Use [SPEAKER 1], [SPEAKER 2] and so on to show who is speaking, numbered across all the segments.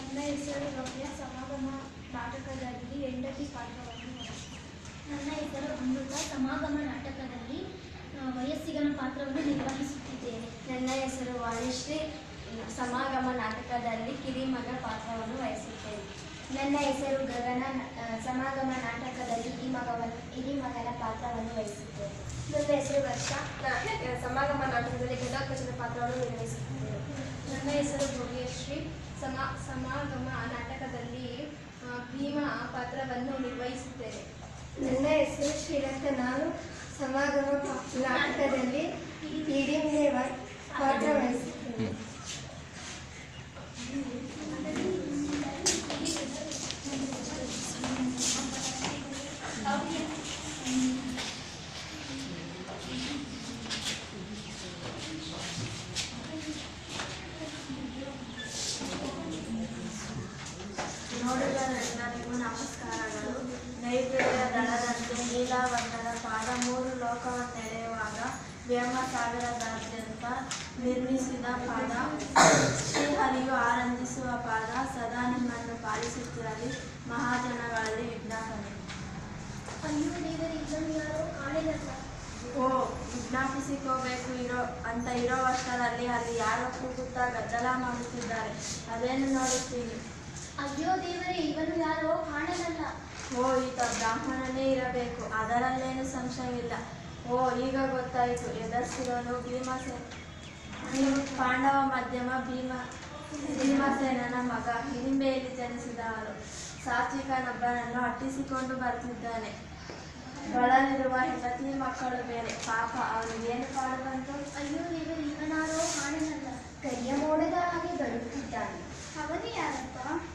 [SPEAKER 1] ನನ್ನ ಹೆಸರು ರಮ್ಯ. ಸಮಾಗಮ ನಾಟಕದಲ್ಲಿ ಹೆಂಡತಿ ಪಾತ್ರವನ್ನು ನನ್ನ ಹೆಸರು ಅಮೃತ. ಸಮಾಗಮ ನಾಟಕದಲ್ಲಿ ವಯಸ್ಸಿಗನ ಪಾತ್ರವನ್ನು ನಿರ್ವಹಿಸುತ್ತಿದ್ದೇನೆ.
[SPEAKER 2] ನನ್ನ ಹೆಸರು ವಾಣಿಶ್ರೀ. ಸಮಾಗಮ ನಾಟಕದಲ್ಲಿ ಕಿರಿಮಗ ಪಾತ್ರವನ್ನು ವಹಿಸುತ್ತೇನೆ.
[SPEAKER 3] ನನ್ನ ಹೆಸರು ಗಗನ. ಸಮಾಗಮ ನಾಟಕದಲ್ಲಿ ಹಿರಿಮಗನ ಪಾತ್ರವನ್ನು ವಹಿಸುತ್ತೇನೆ.
[SPEAKER 2] ನನ್ನ ಹೆಸರು ವರ್ಷ. ಸಮಾಗಮ ನಾಟಕದಲ್ಲಿ ಘಟೋತ್ಕಚನ ಪಾತ್ರವನ್ನು ನಿರ್ವಹಿಸುತ್ತೇನೆ.
[SPEAKER 1] ನನ್ನ ಹೆಸರು ಭವ್ಯಶ್ರೀ. ಸಮಾಗಮ ನಾಟಕದಲ್ಲಿ ಭೀಮ ಪಾತ್ರವನ್ನು ನಿರ್ವಹಿಸುತ್ತೇನೆ.
[SPEAKER 2] ನನ್ನ ಹೆಸರು ಶ್ರೀರಕ್ತ. ನಾನು ಸಮಾಗಮ ನಾಟಕದಲ್ಲಿ ಹಿಡಿಂಬೆ ಪಾತ್ರ ವಹಿಸುತ್ತೇನೆ.
[SPEAKER 3] ನೋಡುಗರೆಲ್ಲರಿಗೂ ನಮಸ್ಕಾರಗಳು. ನೈವೇದ್ಯ ದಳದಂತೆ ನೀಲಾವರ್ಣದ ಪಾದ ಮೂರು ಲೋಕವನ್ನೆಳೆಯುವಾಗ ವ್ಯೋಮಸಾಗರದಾದ್ಯಂತ ನಿರ್ಮಿಸಿದ ಪಾದ, ಶ್ರೀಹರಿಯು ಆನಂದಿಸುವ ಪಾದ, ಸದಾ ನಿಮ್ಮನ್ನು ಪಾಲಿಸುತ್ತಿರಲಿ. ಮಹಾಜನಗಳಲ್ಲಿ ವಿಜ್ಞಾಪನೆ.
[SPEAKER 1] ಅಯ್ಯೋ ದೇವರೇ, ಇದನ್ನು ಯಾರೋ ಕಾಣಿಲ್ಲ.
[SPEAKER 3] ಓ, ವಿಜ್ಞಾಪಿಸಿಕೋಬೇಕು ಇರೋವಷ್ಟರಲ್ಲಿ ಅಲ್ಲಿ ಯಾರೋ ಕೂಗುತ್ತಾ ಗದ್ದಲ ಮಾಡುತ್ತಿದ್ದಾರೆ. ಅದೇನು ನೋಡುತ್ತೀನಿ?
[SPEAKER 1] ಅಯ್ಯೋ ದೇವರೇ, ಇವನು ಯಾರೋ ಕಾಣಲಲ್ಲ.
[SPEAKER 3] ಓ, ಈತ ಬ್ರಾಹ್ಮಣನೇ ಇರಬೇಕು, ಅದರಲ್ಲೇನು ಸಂಶಯವಿಲ್ಲ. ಓ, ಈಗ ಗೊತ್ತಾಯಿತು. ಎದುರಿಸಿರೋನು ನೀವು ಪಾಂಡವ ಮಧ್ಯಮ ಭೀಮಸೇನನ ಮಗ. ಹಿಡಿಂಬೆಯಲ್ಲಿ ಜನಿಸಿದವನು. ಸಾತ್ವಿಕನೊಬ್ಬನನ್ನು ಅಟ್ಟಿಸಿಕೊಂಡು ಬರ್ತಿದ್ದಾನೆ. ಬಳಲಿರುವ ಹೆಂಡತಿ ಮಕ್ಕಳು ಬೇರೆ. ಪಾಪ, ಅವನಿಗೇನು ಪಾಡು ಬಂತು?
[SPEAKER 1] ಅಯ್ಯೋ ದೇವರೇ, ಇವನಾರೋ ಕಾಣಲಲ್ಲ.
[SPEAKER 3] ಕೈಯ ಮೋಡದ ಹಾಗೆ ಬರುತ್ತಿದ್ದಾನೆ.
[SPEAKER 1] ಅವನೇ ಯಾರಪ್ಪ?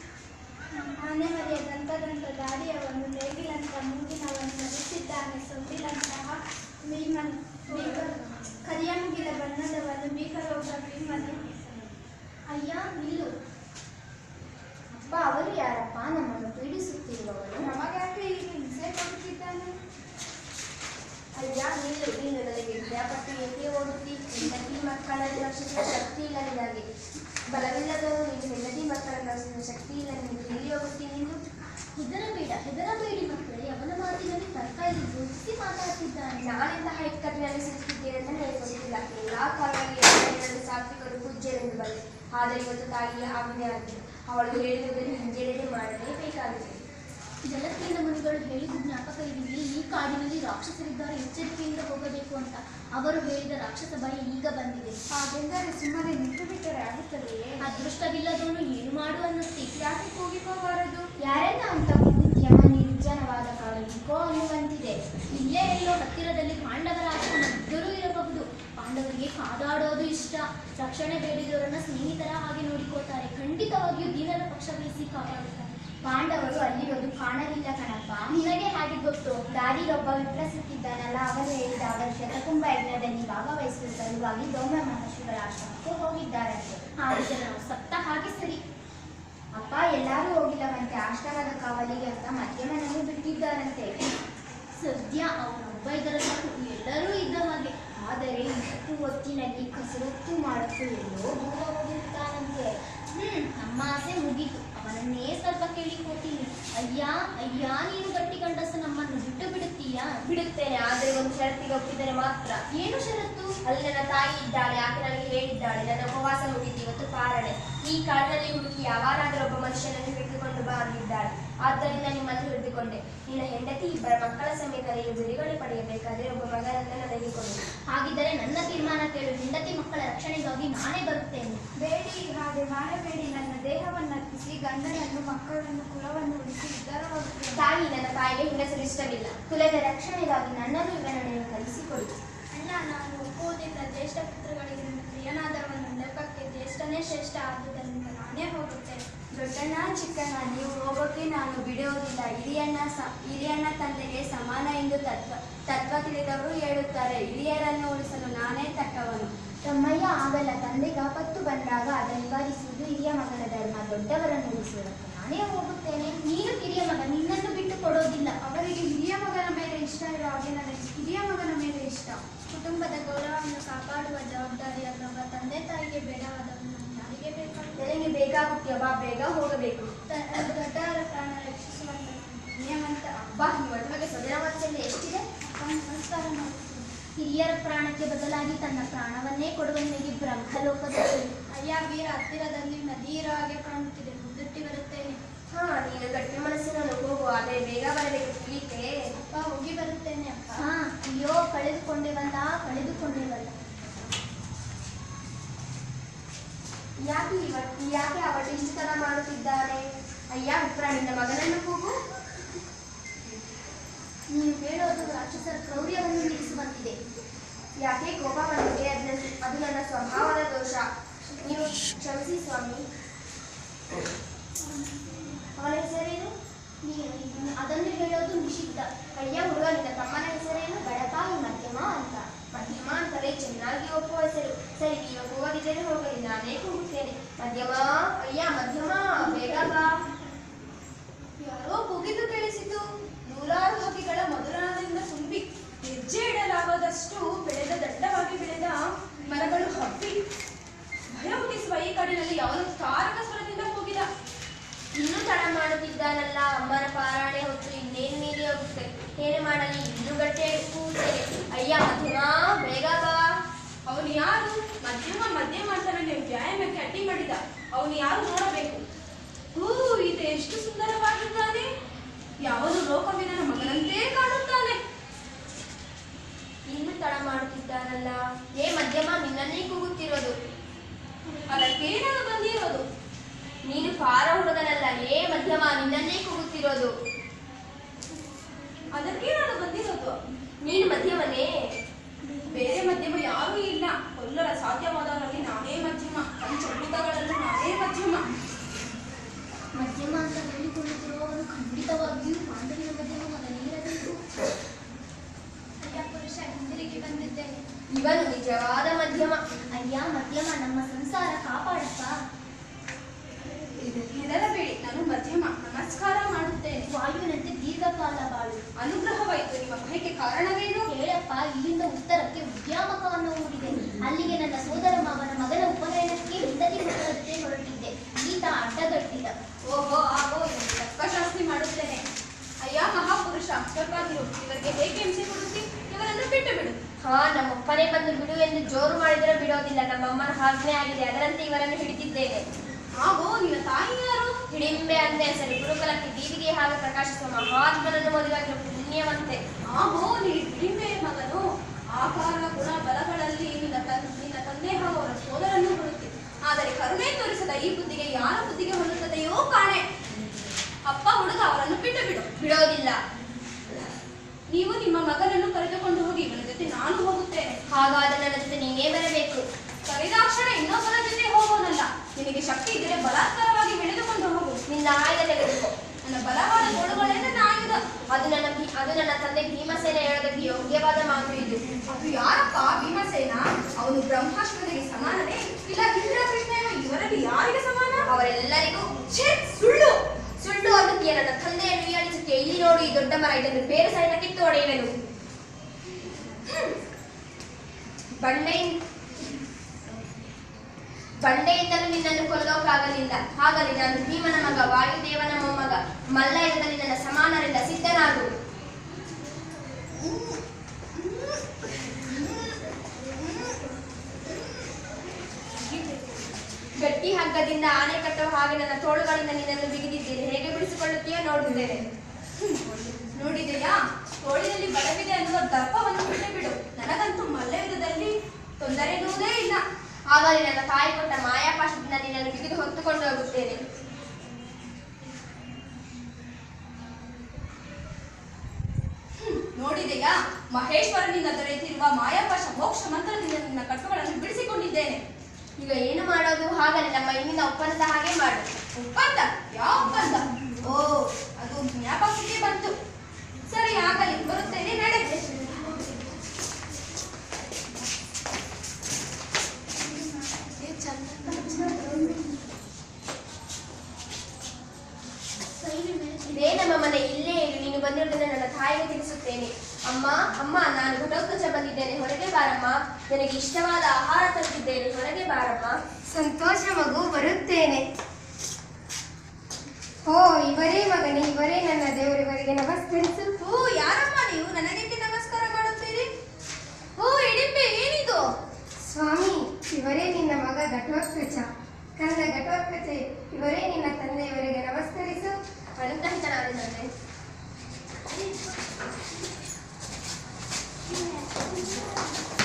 [SPEAKER 1] ಆನೆ ಮರಿಯ ದಂತದಂತ ದಾರಿಯವನು, ನೇಗಿಲಂತ ಮೂಗಿನವನು, ಧರಿಸಿದ್ದಾನೆ ಸೊಂಡಿಲಂತಹ ಭೀಮನ್. ಕರಿಯ ಮುಗಿಲ ಬಣ್ಣದವನು, ಭೀಕರೋಗ ಭೀಮನು. ಅಯ್ಯ ನಿಲ್ಲು.
[SPEAKER 3] ಅಪ್ಪ, ಅವರು ಯಾರಪ್ಪ? ನಮ್ಮನ್ನು ಪೀಡಿಸುತ್ತಿರುವವರು.
[SPEAKER 1] ನಮಗಾಕೆ ಈಗ ಹಿಂಸೆ ಕೊಡುತ್ತಿದ್ದಾನೆ?
[SPEAKER 3] ಅಯ್ಯ ನಿಲ್ಲು, ನೀನು ನನಗೆ ಭಯಪಟ್ಟು ಏಕೆ ಓಡುತ್ತಿ? ಹೆಂಡತಿ ಮಕ್ಕಳನ್ನು ರಕ್ಷಿಸುವ ಶಕ್ತಿ ಇಲ್ಲ ನಿನಗೆ. ಬಲವಿಲ್ಲದವರು ನೀನು ಹೆಂಡತಿ ಮಕ್ಕಳನ್ನು ರಕ್ಷಿಸುವ ಶಕ್ತಿ ಇಲ್ಲ ನಿನಗೆ. ಎಲ್ಲಿ ಹೋಗುತ್ತಿ ನೀನು?
[SPEAKER 1] ಹೆದರಬೇಡಿ ಮಕ್ಕಳೇ. ಅವನ ಮಾತಿನಲ್ಲಿ ತರ್ಕ ಇಲ್ಲಿ ಗುರುತಿಸಿ ಮಾತಾಡ್ತಿದ್ದಾನೆ.
[SPEAKER 3] ನಾನೆಂತಹ ಇಕ್ಕಟ್ಟಿನಲ್ಲಿ ಸಿಲುಕಿದ್ದೇನೆ ಅಂತ ನನಗೆ ಗೊತ್ತಿಲ್ಲ. ಎಲ್ಲಾ ಕಾಲದಲ್ಲಿ ಸಾತ್ವಿಕರು ಪೂಜ್ಯರೆಂದು ಬಂದೆ. ಆದರೆ ಇವತ್ತು ತಾಯಿಯ ಆಜ್ಞೆ ಆಗಿದೆ. ಅವಳು ಹೇಳಿರುವುದನ್ನು ಹಿಂಜರಿಕೆ ಮಾಡಲೇಬೇಕಾಗಿದೆ.
[SPEAKER 1] ಜಲಕ್ಕಿಂತ ಮುನಿಗಳು ಹೇಳಿದ ಜ್ಞಾಪಕ ಇದೆಯೇ? ಈ ಕಾಡಿನಲ್ಲಿ ರಾಕ್ಷಸರಿದ್ದಾರೆ, ಎಚ್ಚರಿಕೆಯಿಂದ ಹೋಗಬೇಕು ಅಂತ. ಅವರು ಹೇಳಿದ ರಾಕ್ಷಸ ಭಯ ಈಗ ಬಂದಿದೆ.
[SPEAKER 2] ಹಾಗೆಂದರೆ ಸುಮ್ಮನೆ ನಿಂತು ಬಿಟ್ಟರೆ ಆಗುತ್ತದೆಯೇ?
[SPEAKER 1] ಅದೃಷ್ಟವಿಲ್ಲದವನು ಏನು ಮಾಡು ಅನ್ನುತ್ತಿ.
[SPEAKER 2] ಯಾಕೆ ಕೂಗಿಕೋಬಾರದು?
[SPEAKER 3] ಯಾರೆಲ್ಲ ಅಂತ ಕೂಗುತ್ತೀಯ? ನಿರ್ಜನವಾದ ಕಾಡು ಈಕೋ ಅನ್ನುವಂತಿದೆ.
[SPEAKER 1] ಇಲ್ಲೇ ಎಲ್ಲೋ ಹತ್ತಿರದಲ್ಲಿ ಪಾಂಡವರ ಆಶ್ರಮ ಇದ್ದರೂ ಇರಬಹುದು. ಪಾಂಡವರಿಗೆ ಕಾದಾಡೋದು ಇಷ್ಟ. ರಕ್ಷಣೆ ಬೇಡಿದವರನ್ನ ಸ್ನೇಹಿತರ ಹಾಗೆ ನೋಡಿಕೋತಾರೆ. ಖಂಡಿತವಾಗಿಯೂ ದೀನರ ಪಕ್ಷ ವಹಿಸಿ ಕಾಪಾಡುತ್ತಾರೆ.
[SPEAKER 3] ಪಾಂಡವರು ಅಲ್ಲಿರೋದು ಕಾಣಲಿಲ್ಲ ಕಣಪ್ಪ.
[SPEAKER 1] ನಿನಗೆ ಹಾಗೆ ಗೊತ್ತು?
[SPEAKER 3] ದಾರಿಲೊಬ್ಬ ವಿಪ್ರ ಸಿಕ್ಕಿದ್ದಾನಲ್ಲ, ಅವನು ಹೇಳಿದ ಅವರ ಶತಕುಂಭ ಯಜ್ಞದಲ್ಲಿ ಭಾಗವಹಿಸುವ ಸಲುವಾಗಿ ಧೌಮ್ಯ ಮಹರ್ಷಿಗಳ ಆಶ್ರಮಕ್ಕೆ ಹೋಗಿದ್ದಾರಂತೆ.
[SPEAKER 1] ಆದರೆ ನಾವು ಸತ್ತ ಹಾಗೆ ಸರಿ.
[SPEAKER 3] ಅಪ್ಪ, ಎಲ್ಲರೂ ಹೋಗಿಲ್ಲವಂತೆ. ಆಶ್ರಮದ ಕಾವಲಿಗೆ ಅಂತ ಮಧ್ಯಮನನ್ನು ಬಿಟ್ಟಿದ್ದಾರಂತೆ.
[SPEAKER 1] ಸದ್ಯ ಅವನೊಬ್ಬ ಇದರ ಎಲ್ಲರೂ ಇದ್ದ ಹಾಗೆ.
[SPEAKER 3] ಆದರೆ ಇಷ್ಟು ಹೊತ್ತಿನಲ್ಲಿ ಕಸರತ್ತು ಮಾಡಕ್ಕೂ ಎಲ್ಲೋ ದೂರ ಹೋಗಿರ್ತಾನಂತೆ.
[SPEAKER 1] ನಮ್ಮ ಆಸೆ ಮುಗೀತು. ಅವನನ್ನೇ ಸ್ವಲ್ಪ ಕೇಳಿಕೊತೀನಿ. ಅಯ್ಯ ನೀನು ಗಟ್ಟಿ ಗಂಡಸು, ನಮ್ಮನ್ನು ಬಿಟ್ಟು ಬಿಡುತ್ತೀಯಾ?
[SPEAKER 3] ಬಿಡುತ್ತೇನೆ, ಆದರೆ ಒಂದು ಷರತ್ತಿಗೆ ಒಪ್ಪಿದರೆ ಮಾತ್ರ.
[SPEAKER 1] ಏನು ಷರತ್ತು?
[SPEAKER 3] ಅಲ್ಲಿ ನನ್ನ ತಾಯಿ ಇದ್ದಾಳೆ. ಆಕೆ ನನಗೆ ಹೇಳಿದ್ದಾಳೆ, ನನ್ನ ಉಪವಾಸ ಮುಗಿತು, ಇವತ್ತು ಪಾರಣೆ. ಈ ಕಾಡಿನಲ್ಲಿ ಹುಡುಕಿ ಯಾವಾರಾದರೂ ಒಬ್ಬ ಮನುಷ್ಯನನ್ನು ಹಿಡಿದುಕೊಂಡು ಬಂದಿದ್ದಾಳೆ. ಆದ್ದರಿಂದ ನಿಮ್ಮನ್ನು ಹಿಡಿದುಕೊಂಡೆ. ನಿನ್ನ ಹೆಂಡತಿ ಇಬ್ಬರ ಮಕ್ಕಳ ಸಮೇತ ನೀನು ಬಿಡುಗಡೆ ಪಡೆಯಬೇಕಾದರೆ ಒಬ್ಬ ಮಗನನ್ನು ನನಗೆ ಕೊಡು.
[SPEAKER 1] ಹಾಗಿದ್ದರೆ ನನ್ನ ತೀರ್ಮಾನ ಕೇಳು. ಹೆಂಡತಿ ಮಕ್ಕಳ ರಕ್ಷಣೆಗಾಗಿ ನಾನೇ ಬರುತ್ತೇನೆ.
[SPEAKER 2] ಬೇಡಿ, ಹಾಗೆ ಮಾಡಬೇಡಿ. ನನ್ನ ದೇಹವನ್ನು ಅರ್ಪಿಸಿ ಗಂಡನನ್ನು, ಮಕ್ಕಳನ್ನು, ಕುಲವನ್ನು ಉಳಿಸಿ ಉದ್ಧಾರವಾಗುತ್ತೇನೆ.
[SPEAKER 3] ತಾಯಿ, ನನ್ನ ತಾಯಿಗೆ ಹೆಂಗಸರು ಇಷ್ಟವಿಲ್ಲ. ಕುಲದ ರಕ್ಷಣೆಗಾಗಿ ನನ್ನನ್ನು ಇವನನ್ನು ಕಲಿಸಿಕೊಡು.
[SPEAKER 1] ಅಣ್ಣ, ನಾನು ಒಪ್ಪುವುದಿಲ್ಲ. ಜ್ಯೇಷ್ಠ ಪುತ್ರಗಳಿಗೆ ನನ್ನ ಪ್ರಿಯನಾದವನು ನೆಪಕ್ಕೆ ಜ್ಯೇಷ್ಠನೇ ಶ್ರೇಷ್ಠ. ಆದುದರಿಂದ ನಾನೇ ಹೋಗುತ್ತೇನೆ.
[SPEAKER 3] ದೊಡ್ಡಣ್ಣ, ಚಿಕ್ಕಣ್ಣ, ನೀವು ಹೋಗೋಕೆ ನಾನು ಬಿಡುವುದಿಲ್ಲ. ಹಿರಿಯಣ್ಣ ತಂದೆಗೆ ಸಮಾನ ಎಂದು ತತ್ವ ತಿಳಿದವರು ಹೇಳುತ್ತಾರೆ. ಹಿರಿಯರನ್ನು ಉಳಿಸಲು ನಾನೇ ತಕ್ಕವನು. ತಮ್ಮಯ್ಯ, ಆಗಲ್ಲ. ತಂದೆಗೆ ಆಪತ್ತು ಬಂದಾಗ ಅದನ್ನು ನಿವಾರಿಸುವುದು ಹಿರಿಯ ಮಗನ ಧರ್ಮ. ದೊಡ್ಡವರನ್ನು ಉಳಿಸುವುದಕ್ಕೆ ನಾನೇ ಹೋಗುತ್ತೇನೆ.
[SPEAKER 1] ನೀನು ಕಿರಿಯ ಮಗ, ನಿನ್ನನ್ನು ಬಿಟ್ಟು ಕೊಡೋದಿಲ್ಲ.
[SPEAKER 2] ಅವರಿಗೆ ಹಿರಿಯ ಮಗನ ಮೇಲೆ ಇಷ್ಟ ಇರೋ ಹಾಗೆ ನನಗೆ ಹಿರಿಯ ಮಗನ ಮೇಲೆ ಇಷ್ಟ.
[SPEAKER 1] ಕುಟುಂಬದ ಗೌರವವನ್ನು ಕಾಪಾಡುವ ಜವಾಬ್ದಾರಿ ಅಥವಾ ತಂದೆ ತಾಯಿಗೆ ಬೇಡವಾದವನು ಯಾರಿಗೆ ಬೇಕಾಗುತ್ತದೆ?
[SPEAKER 3] ಬೇಕಾಗುತ್ತೀಯ ಬಾ, ಬೇಗ ಹೋಗಬೇಕು.
[SPEAKER 2] ದೊಡ್ಡವರ ಪ್ರಾಣ ರಕ್ಷಿಸುವಂತ ನಿಯಮಂತ
[SPEAKER 3] ಬಾ, ಇವಳ ಬಗ್ಗೆ ಸ್ವಜನ ವಾತ್ಸಲ್ಯ ಎಷ್ಟಿದೆ.
[SPEAKER 2] ನಮಸ್ಕಾರ ಮಾಡುತ್ತೇನೆ.
[SPEAKER 1] ಹಿರಿಯರ ಪ್ರಾಣಕ್ಕೆ ಬದಲಾಗಿ ತನ್ನ ಪ್ರಾಣವನ್ನೇ ಕೊಡುವ ನಿನಗೆ ಬ್ರಹ್ಮಲೋಕದಲ್ಲಿ.
[SPEAKER 2] ಅಯ್ಯ ವೀರ, ಹತ್ತಿರದಲ್ಲಿ ನದಿ ಇರೋ ಹಾಗೆ ಕಾಣುತ್ತಿದೆ, ಮುದ್ದುಟ್ಟಿ ಬರುತ್ತೇನೆ.
[SPEAKER 3] ಹಾ, ನೀನು ಗಟ್ಟಿ ಮನಸ್ಸಿನವನು, ಹೋಗು, ಆದರೆ ಬೇಗ ಬರಬೇಕು, ತಿಳಿತೆ.
[SPEAKER 2] ಅಪ್ಪ, ಹೋಗಿ ಬರುತ್ತೇನೆ ಅಪ್ಪ.
[SPEAKER 1] ಹಾ, ಅಯ್ಯೋ ಕಳೆದುಕೊಂಡೇವಲ್ಲ.
[SPEAKER 3] ಯಾಕೆ ಅವಳು ಇಷ್ಟು ತರ ಮಾಡುತ್ತಿದ್ದಾನೆ? ಅಯ್ಯ ವಿಪ್ರ, ನಿನ್ನ ಮಗನನ್ನು ಕೂಗು.
[SPEAKER 1] ನೀನು ಹೇಳೋದು ರಾಕ್ಷಸರ ಕ್ರೌರ್ಯವನ್ನು ನಿಲ್ಲಿಸುವಂತಿದೆ.
[SPEAKER 3] ಯಾಕೆ ಕೋಪ ಬಂದಿದೆ? ಅದು ನನ್ನ ಸ್ವಭಾವದ ದೋಷ, ನೀವು ಕ್ಷಮಿಸಿ ಸ್ವಾಮಿ. ಅವನ ಹೆಸರೇನು?
[SPEAKER 1] ಅದನ್ನು ಹೇಳೋದು ನಿಷಿದ್ಧ.
[SPEAKER 3] ಅಯ್ಯ ಹುಡುಗ, ನಿನ್ನ ತಮ್ಮನ ಹೆಸರೇನು?
[SPEAKER 1] ಬಡಪಾಯಿ ಮಧ್ಯಮ ಅಂತ.
[SPEAKER 3] ಮಧ್ಯಮ ಅಂತಲೇ ಚೆನ್ನಾಗಿ ಒಪ್ಪುವ ಹೆಸರು. ಸರಿ, ನೀವು ಕೂಗದಿದ್ದರೆ ಹೋಗಲಿ, ನಾನೇ ಕೂಗುತ್ತೇನೆ. ಮಧ್ಯಮ, ಅಯ್ಯ ಮಧ್ಯಮ, ಬೇಗ ಬಾ.
[SPEAKER 2] ಯಾರೋ ಕೂಗಿದ್ದು ಕೇಳಿಸಿತು. ನೂರಾರು ಹಕ್ಕಿಗಳ ಮಧುರದಿಂದ ತುಂಬಿ ಹೆಜ್ಜೆ ಇಡಲಾಗದಷ್ಟು ದಟ್ಟವಾಗಿ ಬೆಳೆದ ಮರಗಳು ಹಬ್ಬಿ ಭಯ ಹುಟ್ಟಿಸುವ ಈ ಕಾಡಿನಲ್ಲಿ ಯಾವನು ತಾರಕ ಸ್ವರದಿಂದ ಕೂಗಿದ.
[SPEAKER 3] ಇನ್ನೂ ತಡ ಮಾಡುತ್ತಿದ್ದಾನಲ್ಲ, ಅಮ್ಮನ ಪಾರಾಣೆ ಹೊತ್ತು ಇನ್ನೇನು ಮೀರಿ ಹೋಗುತ್ತೆ. ಏನು ಮಾಡಲಿ, ಇನ್ನೂ ಗಟ್ಟೆ ಕೂಗುತ್ತೇನೆ. ಅಯ್ಯ ಮಧ್ಯಮ, ಬೇಗ ಬಾ.
[SPEAKER 2] ಅವನು ಯಾರು? ಮಧ್ಯಮ ಅಂತಾನೆ ವ್ಯಾಯಾಮಕ್ಕೆ ಅಡ್ಡಿ ಮಾಡಿದ. ಅವನು ಯಾರು ನೋಡಬೇಕು. ಇದು ಎಷ್ಟು ಸುಂದರವಾಗಿದ್ದಾನೆ. ಯಾವನು ಲೋಕವಿದನ ಮಗನಂತೆ ಕಾಣುತ್ತಾನೆ.
[SPEAKER 3] ಇನ್ನೂ ತಡ ಮಾಡುತ್ತಿದ್ದಾನಲ್ಲ. ಏ ಮಧ್ಯಮ, ನಿನ್ನನ್ನೇ ಕೂಗುತ್ತಿರೋದು.
[SPEAKER 2] ಅದಕ್ಕೆ ನಾನು ಬಂದಿರೋದು.
[SPEAKER 3] ನೀನು ಪಾರ ಹುಡುಗನಲ್ಲ. ಏ ಮಧ್ಯಮ, ನಿನ್ನನ್ನೇ ಕೂಗುತ್ತಿರೋದು.
[SPEAKER 2] ಅದಕ್ಕೆ ನಾನು ಬಂದಿರೋದು.
[SPEAKER 3] ನೀನು ಮಧ್ಯಮನೇ?
[SPEAKER 2] ಬೇರೆ ಮಧ್ಯಮ ಯಾರೂ ಇಲ್ಲ. ಕೊಲ್ಲರ ಸಾಧ್ಯವಾದವರಲ್ಲಿ ನಾನೇ ಮಧ್ಯಮ, ಪಂಚಭೂತಗಳಲ್ಲೂ ನಾನೇ ಮಧ್ಯಮ.
[SPEAKER 1] ಮಧ್ಯಮ ಅಂತ ಹೇಳಿಕೊಳ್ಳುತ್ತಿರುವವನು ಖಂಡಿತವಾಗಿಯೂ ಮಾಂಡವಿನ ಮಧ್ಯಮ ಮಗನೇ ಇರಬೇಕು.
[SPEAKER 2] ಅಯ್ಯ ಪುರುಷ, ಹಿಂದಿರುಗಿ ಬಂದಿದ್ದೇನೆ.
[SPEAKER 3] ಇವನು ನಿಜವಾದ ಮಧ್ಯಮ.
[SPEAKER 1] ಅಯ್ಯ ಮಧ್ಯಮ, ನಮ್ಮ ಸಂಸಾರ ಕಾಪಾಡಪ್ಪ.
[SPEAKER 2] ಹೆದರಬೇಡಿ, ನಾನು ಮಧ್ಯಮ. ನಮಸ್ಕಾರ ಮಾಡುತ್ತೇನೆ.
[SPEAKER 1] ವಾಯುವಿನಂತೆ ದೀರ್ಘಕಾಲ ಬಾಳು.
[SPEAKER 2] ಅನುಗ್ರಹವಾಯಿತು. ನಿಮ್ಮ ಭಯಕ್ಕೆ ಕಾರಣವೇನು?
[SPEAKER 1] ಹೇಳಪ್ಪ. ಇಲ್ಲಿಂದ ಉತ್ತರಕ್ಕೆ ಉದ್ಯಾಮಕವನ್ನು ಹೂಡಿದೆ. ಅಲ್ಲಿಗೆ ನನ್ನ ಸೋದರ ಮಾವನ ಮಗನ ಉಪನಯನಕ್ಕೆ ಹಿಂದಕ್ಕೆ ಹೊರಟಂತೆ ಹೊರಟಿದ್ದೆ. ಈತ ಅಡ್ಡಗಟ್ಟಿದ.
[SPEAKER 2] ಓಹೋ, ಆಗೋ, ತತ್ವಶಾಸ್ತ್ರಿ ಮಾಡುತ್ತೇನೆ. ಅಯ್ಯ ಮಹಾಪುರುಷ, ಅಷ್ಟಕ್ಕಾಗಿರು. ಇವರಿಗೆ ಹೇಗೆ ಹಿಂಸೆ ಕೊಡುತ್ತಿ? ಇವರನ್ನು ಬಿಟ್ಟು ಬಿಡು.
[SPEAKER 3] ಹಾ, ನಮ್ಮಪ್ಪನೇ ಬಂದು ಬಿಡು ಎಂದು ಜೋರು ಮಾಡಿದರೆ ಬಿಡೋದಿಲ್ಲ. ನಮ್ಮಮ್ಮನ ಆಜ್ಞೆ ಆಗಿದೆ, ಅದರಂತೆ ಇವರನ್ನು ಹಿಡಿದಿದ್ದೇನೆ.
[SPEAKER 2] ಆಗೋ, ನಿನ್ನ ತಾಯಿ ಯಾರು?
[SPEAKER 3] ಹಿಡಿಂಬೆ ಅಂದೆ ಸರಿ. ಗುರುಕುಲಕ್ಕೆ ದೀವಿಗೆ ಹಾಗೆ ಪ್ರಕಾಶಿಸುವ ಮಹಾತ್ಮನನ್ನು ಮದುವೆಯಾಗಿರುವ ಪುಣ್ಯವಂತೆ.
[SPEAKER 2] ಆಗೋ, ನೀ ಹಿಡಿಂಬೆಯ ಮಗನು. ಆಕಾರ, ಗುಣ, ಬಲಗಳಲ್ಲಿ ನಿನ್ನ ತಂದೆ ಹಾಗೂ ಅವರ ಸೋದರನ್ನು ಹೊರುತ್ತಿ. ಆದರೆ ಕರುಣೆ ತೋರಿಸದ ಈ ಬುದ್ಧಿಗೆ ಯಾರ ಬುದ್ಧಿಗೆ ಹೊಂದುತ್ತದೆಯೋ ಕಾಣೆ. ಅಪ್ಪ ಹುಡುಗ, ಅವರನ್ನು ಬಿಟ್ಟು ಬಿಡು.
[SPEAKER 3] ಬಿಡೋದಿಲ್ಲ.
[SPEAKER 2] ನೀವು ನಿಮ್ಮ ಮಗನನ್ನು ಕರೆದುಕೊಂಡು ಹೋಗಿ. ಇವನ ಜೊತೆ ನಾನು ಹೋಗುತ್ತೇನೆ.
[SPEAKER 3] ಹಾಗಾದರೆ ನನ್ನ ಜೊತೆ ನೀನೇ ಬರಬೇಕು.
[SPEAKER 2] ಕರೆದಾಕ್ಷಣ ಇನ್ನೊಬ್ಬರ ಜೊತೆ ಹೋಗೋನಲ್ಲ. ನಿನಗೆ ಶಕ್ತಿ ಇದ್ದರೆ ಬಲಾತ್ಕಾರವಾಗಿ ಹಿಡಿದುಕೊಂಡು ಹೋಗು.
[SPEAKER 3] ನಿನ್ನ ಆಯುಧ ತೆಗೆದುಕೋ.
[SPEAKER 2] ನನ್ನ ಬಲವಾದ ತೋಳುಗಳೇ ನನ್ನ ಆಯುಧ.
[SPEAKER 3] ಅದು ನನ್ನ ತಂದೆ ಭೀಮಸೇನ ಹೇಳೋದಕ್ಕೆ ಯೋಗ್ಯವಾದ ಮಾತು ಇದು.
[SPEAKER 2] ಅದು ಯಾರಪ್ಪ ಭೀಮಸೇನ? ಅವನು ಬ್ರಹ್ಮಾಸ್ತ್ರನಿಗೆ ಸಮಾನನೇ? ಇಲ್ಲ ಇಂದ್ರಕೃಷ್ಣನು? ಇವರಲ್ಲಿ ಯಾರಿಗೆ ಸಮಾನ?
[SPEAKER 3] ಅವರೆಲ್ಲರಿಗೂ
[SPEAKER 2] ಸುಳ್ಳು
[SPEAKER 3] ಸುಳ್ಳು ಅನ್ನುತ್ತೀಯ. ನನ್ನ ತಂದೆಯನ್ನು ಹೀಯಾಳಿಸುತ್ತೀಯ. ಇಲ್ಲಿ ನೋಡು, ಈ ದೊಡ್ಡ ಮರ. ಇದನ್ನು ಬೇರೆ ಸಹಿತ ಕಿತ್ತು ಹೊಡೆಯುವೆನು. ಬಂಡೆಯಿಂದಲೂ ನಿನ್ನನ್ನು ಕೊಲ್ಲೋಕ್ಕಾಗಲಿಲ್ಲ. ಹಾಗಲಿ ನಾನು ಭೀಮನ ಮಗ, ವಾಯುದೇವನ ಮೊಮ್ಮಗ. ಮಲ್ಲಯುದ್ಧದಲ್ಲಿ ನನ್ನ ಸಮಾನರಿಂದ ಸಿದ್ಧನಾಗು. ಗಟ್ಟಿ ಹಗ್ಗದಿಂದ ಆನೆ ಕಟ್ಟುವ ಹಾಗೆ ನನ್ನ ತೋಳುಗಳಿಂದ ನಿನ್ನನ್ನು ಬಿಗಿದಿದ್ದೇನೆ. ಹೇಗೆ ಬಿಡಿಸಿಕೊಳ್ಳುತ್ತೀಯೋ ನೋಡುತ್ತೇನೆ.
[SPEAKER 2] ನೋಡಿದೆಯಾ? ತೋಳಿನಲ್ಲಿ ಬಲವಿದೆ ಅನ್ನುವ ದರ್ಪವನ್ನು ಬಿಟ್ಟು ಬಿಡು. ನನಗಂತೂ ಮಲ್ಲಯುದ್ಧದಲ್ಲಿ ತೊಂದರೆ ಎನ್ನುವುದೇ ಇಲ್ಲ.
[SPEAKER 3] ಹಾಗಾಗಿ ನನ್ನ ತಾಯಿ ಕೊಟ್ಟ ಮಾಯಾಪಾಶದಿಂದ ನಿನ್ನನ್ನು ಬಿಗಿದು ಹೊತ್ತುಕೊಂಡು ಹೋಗುತ್ತೇನೆ.
[SPEAKER 2] ನೋಡಿದೆಯಾ? ಮಹೇಶ್ವರನಿಂದ ದೊರೆತಿರುವ ಮಾಯಾಪಾಶ ಮೋಕ್ಷ ಮಂತ್ರದಿಂದ ನಿನ್ನ ಕಟ್ಟುಗಳನ್ನು ಬಿಡಿಸಿಕೊಂಡಿದ್ದೇನೆ.
[SPEAKER 3] ಈಗ ಏನು ಮಾಡೋದು? ಹಾಗಲೇ ನಮ್ಮ ಇಂದಿನ ಒಪ್ಪಂದ ಹಾಗೆ ಮಾಡು.
[SPEAKER 2] ಒಪ್ಪಂದ? ಯಾವ ಒಪ್ಪಂದ? ಓ, ಅದು ಜ್ಞಾಪಕಕ್ಕೆ ಬಂತು. ಸರಿ, ಆಗಲಿ, ಬರುತ್ತೇನೆ, ನಡೆಯುತ್ತೆ.
[SPEAKER 3] ಇದೇ ನಮ್ಮ ಮನೆ, ಇಲ್ಲೇ ಇರು. ನೀನು ಬಂದಿರೋದನ್ನ ನನ್ನ ತಾಯಿಗೆ ತಿಳಿಸುತ್ತೇನೆ. ಅಮ್ಮ, ಅಮ್ಮ, ನಾನು ಘಟೋತ್ಕಚ ಬಂದಿದ್ದೇನೆ, ಹೊರಗೆ ಬಾರಮ್ಮ. ನನಗೆ ಇಷ್ಟವಾದ ಆಹಾರ ತಂದಿದ್ದೇನೆ, ಹೊರಗೆ ಬಾರಮ್ಮ.
[SPEAKER 4] ಸಂತೋಷ ಮಗು, ಬರುತ್ತೇನೆ. ಓ ಇವರೇ ಮಗನೇ, ಇವರೇ ನನ್ನ ದೇವರು, ಇವರಿಗೆ ನಮಸ್ಕರಿಸು.
[SPEAKER 2] ಓ ಯಾರಮ್ಮ ನೀವು ನನಗೇಕೆ ನಮಸ್ಕಾರ ಮಾಡುತ್ತೀರಿ? ಓ ಹಿಡಿಂಬೆ ಏನಿದು?
[SPEAKER 4] ಸ್ವಾಮಿ, ಇವರೇ ನಿನ್ನ ಮಗ ಘಟೋತ್ಕಚ. ಕಂದ ಘಟೋತ್ಕಚ, ಇವರೇ ನಿನ್ನ ತಂದೆ, ಇವರಿಗೆ ನಮಸ್ಕರಿಸು.
[SPEAKER 2] ಅನುಗ್ರಹಿತನಾದ ತಂದೆ.